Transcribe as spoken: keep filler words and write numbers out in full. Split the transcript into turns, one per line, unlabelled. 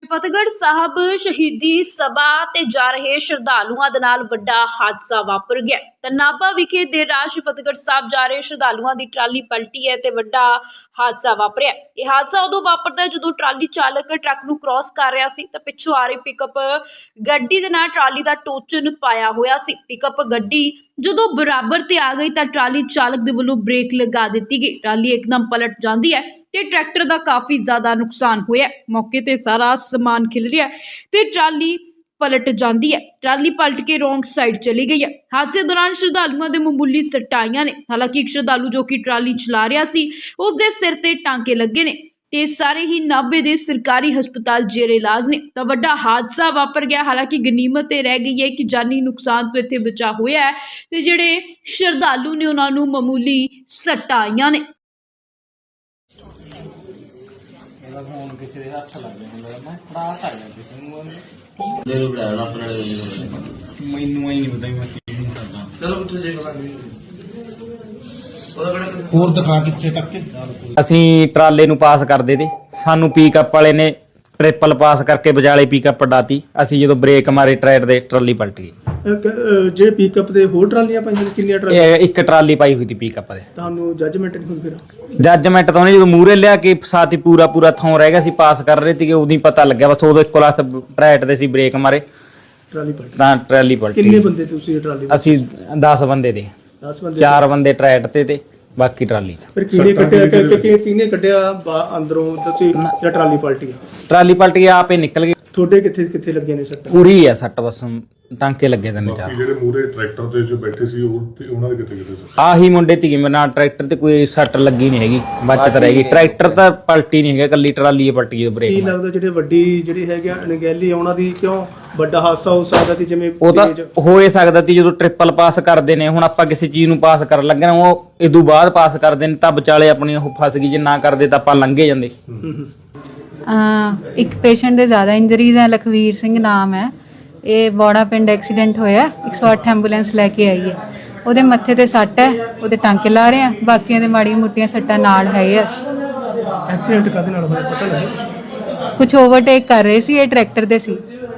ਫਤਿਹਗੜ੍ਹ ਸਾਹਿਬ ਸ਼ਹੀਦੀ ਸਭਾ ਤੇ ਜਾ ਰਹੇ ਸ਼ਰਧਾਲੂਆਂ ਦੇ ਨਾਲ ਵੱਡਾ ਹਾਦਸਾ ਵਾਪਰ ਗਿਆ। ਤਾਂ ਨਾਭਾ ਵਿਖੇ ਦੇਰ ਰਾਤ ਫਤਿਹਗੜ੍ਹ ਸਾਹਿਬ ਜਾ ਰਹੇ ਸ਼ਰਧਾਲੂਆਂ ਦੀ ਟਰਾਲੀ ਪਲਟੀ ਹੈ ਤੇ ਵੱਡਾ ਹਾਦਸਾ ਵਾਪਰਿਆ। ਇਹ ਹਾਦਸਾ ਉਦੋਂ ਵਾਪਰਦਾ ਹੈ ਜਦੋਂ ਟਰਾਲੀ ਚਾਲਕ ਟਰੱਕ ਨੂੰ ਕ੍ਰਾਸ ਕਰ ਰਿਹਾ ਸੀ ਤਾਂ ਪਿੱਛੋਂ ਆ ਰਹੀ ਪਿਕਅਪ ਗੱਡੀ ਦੇ ਨਾਲ ਟਰਾਲੀ ਦਾ ਟੋਚਨ ਪਾਇਆ ਹੋਇਆ ਸੀ। ਪਿਕਅਪ ਗੱਡੀ ਜਦੋਂ ਬਰਾਬਰ ਤੇ ਆ ਗਈ ਤਾਂ ਟਰਾਲੀ ਚਾਲਕ ਦੇ ਵੱਲੋਂ ਬ੍ਰੇਕ ਲਗਾ ਦਿੱਤੀ ਗਈ। ਟਰਾਲੀ ਇੱਕਦਮ ਪਲਟ ਜਾਂਦੀ ਹੈ ਤੇ ਟਰੈਕਟਰ ਦਾ ਕਾਫੀ ਜ਼ਿਆਦਾ ਨੁਕਸਾਨ ਹੋਇਆ। ਮੌਕੇ ਤੇ ਸਾਰਾ ਸਮਾਨ ਖਿਲ ਰਿਹਾ ਤੇ ਟਰਾਲੀ ਪਲਟ ਜਾਂਦੀ ਹੈ। ਟਰਾਲੀ ਪਲਟ ਕੇ ਰੋਂਗ ਸਾਈਡ ਚਲੀ ਗਈ ਹੈ। ਹਾਦਸੇ ਦੌਰਾਨ ਸ਼ਰਧਾਲੂਆਂ ਦੇ ਮਾਮੂਲੀ ਸੱਟਾਂ ਆਈਆਂ ਨੇ। ਹਾਲਾਂਕਿ ਇੱਕ ਸ਼ਰਧਾਲੂ ਜੋ ਕਿ ਟਰਾਲੀ ਚਲਾ ਰਿਹਾ ਸੀ ਉਸ ਦੇ ਸਿਰ ਤੇ ਟਾਂਕੇ ਲੱਗੇ ਨੇ ਤੇ ਸਾਰੇ ਹੀ ਨਾਭੇ ਦੇ ਸਰਕਾਰੀ ਹਸਪਤਾਲ ਜੇਰੇ ਇਲਾਜ ਨੇ। ਤਾਂ ਵੱਡਾ ਹਾਦਸਾ ਵਾਪਰ ਗਿਆ। ਹਾਲਾਂਕਿ ਗਨੀਮਤ ਇਹ ਰਹਿ ਗਈ ਹੈ ਕਿ ਜਾਨੀ ਨੁਕਸਾਨ ਤੋਂ ਇੱਥੇ ਬਚਾ ਹੋਇਆ ਹੈ ਤੇ ਜਿਹੜੇ ਸ਼ਰਧਾਲੂ ਨੇ ਉਹਨਾਂ ਨੂੰ ਮਾਮੂਲੀ ਸੱਟਾਂ ਆਈਆਂ ਨੇ।
फोन किसी के हाथ लग गया मैं फड़ा कर दिया
ले लो ब्रांड अपने
ਮੈਨੂੰ ਹੀ ਨਹੀਂ ਪਤਾ ਮੈਂ ਕੀ ਕਰਦਾ।
चलो उठ जाएगा
ਹੋਰ ਦਿਖਾ ਕਿੱਥੇ ਤੱਕ
ਅਸੀਂ ਟਰਾਲੇ ਨੂੰ ਪਾਸ ਕਰਦੇ ਤੇ ਸਾਨੂੰ ਪਿਕਅਪ ਵਾਲੇ ਨੇ ਟ੍ਰਿਪਲ ਪਾਸ ਕਰਕੇ ਵਿਚਾਲੇ ਪਿਕਅਪ ਡਾਤੀ। ਅਸੀਂ ਜਦੋਂ ਬ੍ਰੇਕ ਮਾਰੇ ਟਰੈਕਟਰ ਦੇ ਟਰਾਲੀ ਪਲਟ ਗਈ।
ਜਿਹੜੇ ਪਿਕਅਪ ਦੇ ਹੋਰ ਟਰਾਲੀਆਂ ਪਾਈਆਂ ਨੇ ਕਿੰਨੀਆਂ ਟਰਾਲੀਆਂ
ਇਹ ਇੱਕ ਟਰਾਲੀ ਪਾਈ ਹੋਈ ਸੀ ਪਿਕਅਪ ਦੇ।
ਤੁਹਾਨੂੰ ਜੱਜਮੈਂਟ ਨਹੀਂ ਹੋਈ ਫਿਰ
ਜੱਜਮੈਂਟ ਤਾਂ ਉਹਨੇ ਜਦੋਂ ਮੂਹਰੇ ਲਿਆ ਕੇ ਸਾਥੀ ਪੂਰਾ ਪੂਰਾ ਥੋਂ ਰਹਿ ਗਿਆ ਸੀ ਪਾਸ ਕਰ ਰਹੇ ਸੀਗੇ ਉਦੋਂ ਹੀ ਪਤਾ ਲੱਗਿਆ ਬਸ ਉਦੋਂ ਇੱਕੋ ਲੱਖ ਟਰੈਕਟਰ ਦੇ ਸੀ ਬ੍ਰੇਕ ਮਾਰੇ
ਟਰਾਲੀ ਪਲਟੀ।
ਤਾਂ ਟਰਾਲੀ ਪਲਟ
ਕਿੰਨੇ
ਗਈ।
ਬੰਦੇ ਤੁਸੀਂ ਟਰਾਲੀ
ਅਸੀਂ ਦਸ ਬੰਦੇ ਤੇ
ਦਸ ਬੰਦੇ
ਚਾਰ ਬੰਦੇ ਟਰੈਕਟਰ ਤੇ ਤੇ ਬਾਕੀ ਟਰਾਲੀ 'ਚ।
ਫਿਰ ਕਿਹਨੇ ਕੱਢਿਆ ਕਿ ਕਿਹਨੇ ਕੱਢਿਆ ਬਾ- ਅੰਦਰੋਂ ਤੁਸੀਂ ਜਾਂ ਟਰਾਲੀ ਪਲਟੀ ਆ?
ਟਰਾਲੀ ਪਲਟ ਗਈ ਆਪੇ ਨਿਕਲ ਗਈ।
ਤੁਹਾਡੇ ਕਿੱਥੇ ਕਿੱਥੇ ਲੱਗੇ ਨੇ ਸੱਟ?
ਪੂਰੀ ਆ ਸੱਟ ਬਸ ਟਾਂਕੇ ਲੱਗੇ ਤਿੰਨ ਚਾਰ।
ਜਿਹੜੇ ਮੂਰੇ ਟਰੈਕਟਰ ਤੇ ਜੋ ਬੈਠੇ ਸੀ ਉਹ ਤੇ ਉਹਨਾਂ ਦੇ ਕਿਤੇ ਕਿਤੇ ਸੀ।
ਆਹੀ ਮੁੰਡੇ ਧੀ ਮੇਰੇ ਨਾਲ ਟਰੈਕਟਰ ਤੇ ਕੋਈ ਸੱਟ ਲੱਗੀ ਨਹੀਂ ਹੈਗੀ ਬਚਤ ਰਹਿ ਗਈ। ਟਰੈਕਟਰ ਤਾਂ ਪਲਟੀ ਨਹੀਂ ਹੈਗਾ ਕੱਲੀ ਟਰਾਲੀ ਪਲਟੀ ਜਦੋਂ
ਕੀ
ਬ੍ਰੇਕ ਮਾਰੀ।
ਲੱਗਦਾ ਜਿਹੜੇ ਵੱਡੀ ਜਿਹੜੀ ਹੈਗੀ ਅਣਗਹਿਲੀ ਉਹਨਾਂ ਦੀ ਕਿਉਂ ਵੱਡਾ ਹਾਦਸਾ ਹੋ ਸਕਦਾ ਸੀ? ਜਿਵੇਂ
ਉਹ ਤਾਂ
ਤੇਜ਼-
ਹੋ ਹੀ ਸਕਦਾ ਸੀ ਜਦੋਂ ਟ੍ਰਿਪਲ ਪਾਸ ਕਰਦੇ ਨੇ। ਹੁਣ ਆਪਾਂ ਕਿਸੇ ਚੀਜ਼ ਨੂੰ ਪਾਸ ਕਰਨ ਲੱਗੇ ਨਾ ਉਹ ਇਦੋਂ ਬਾਅਦ ਪਾਸ ਕਰਦੇ ਨੇ ਤਾਂ ਵਿਚਾਲੇ ਆਪਣੀ ਉਹ ਫਸ ਗਈ। ਜੇ ਨਾ ਕਰਦੇ ਤਾਂ ਆਪਾਂ ਲੰਘੇ ਜਾਂਦੇ।
ਹੂੰ ਹੂੰ
ਅਹ ਇੱਕ ਪੇਸ਼ੈਂਟ ਦੇ ਜ਼ਿਆਦਾ ਇੰਜਰੀਜ਼ ਹੈ। ਲਖਵੀਰ ਸਿੰਘ ਨਾਮ ਹੈ। ਇਹ ਬੋੜਾ ਪਿੰਡ ਐਕਸੀਡੈਂਟ ਹੋਇਆ। ਇੱਕ ਸੌ ਅੱਠ ਐਂਬੂਲੈਂਸ ਲੈ ਕੇ ਆਈ ਹੈ। ਉਹਦੇ ਮੱਥੇ ਤੇ ਸੱਟ ਹੈ। ਉਹਦੇ ਟਾਂਕੇ ਲਾ ਰਹੇ ਆ। ਬਾਕੀਆਂ ਦੇ ਮਾੜੀਆਂ ਮੋਟੀਆਂ ਸੱਟਾਂ ਨਾਲ ਹੈ ਯਾਰ।
ਐਕਸੀਡੈਂਟ ਕਾਹਦੇ ਨਾਲ ਹੋਇਆ ਪਤਾ ਲੱਗਿਆ?
ਕੁਝ ਓਵਰਟੇਕ ਕਰ ਰਹੇ ਸੀ। ਇਹ ਟਰੈਕਟਰ ਦੇ ਸੀ